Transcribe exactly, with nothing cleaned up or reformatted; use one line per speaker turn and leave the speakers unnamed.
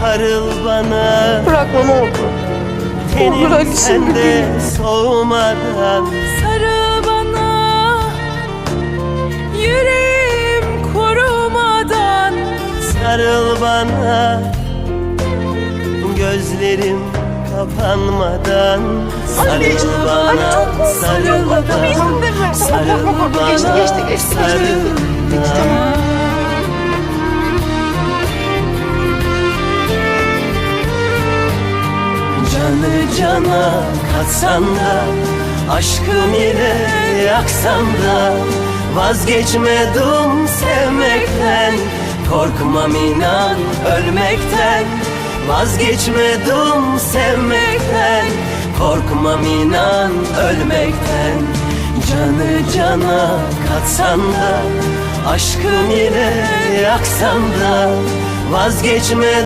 sarıl bana.
Bırakma ne olur. Olur Ali,
Tenim
şimdi
sende
değil.
soğumadan.
Sarıl bana, yüreğim kurumadan.
Sarıl bana, gözlerim kapanmadan. Sarıl bana, sarıl bana, sarıl bana,
Geçti, geçti, geçti, geçti.
sarıl
Geçti, tamam.
Canı cana katsan da, aşkım ile yaksan da, vazgeçmedim sevmekten. Korkmam inan ölmekten, vazgeçmedim sevmekten. Korkmam inan ölmekten. Canı cana katsan da, aşkım ile yaksan da, vazgeçmedim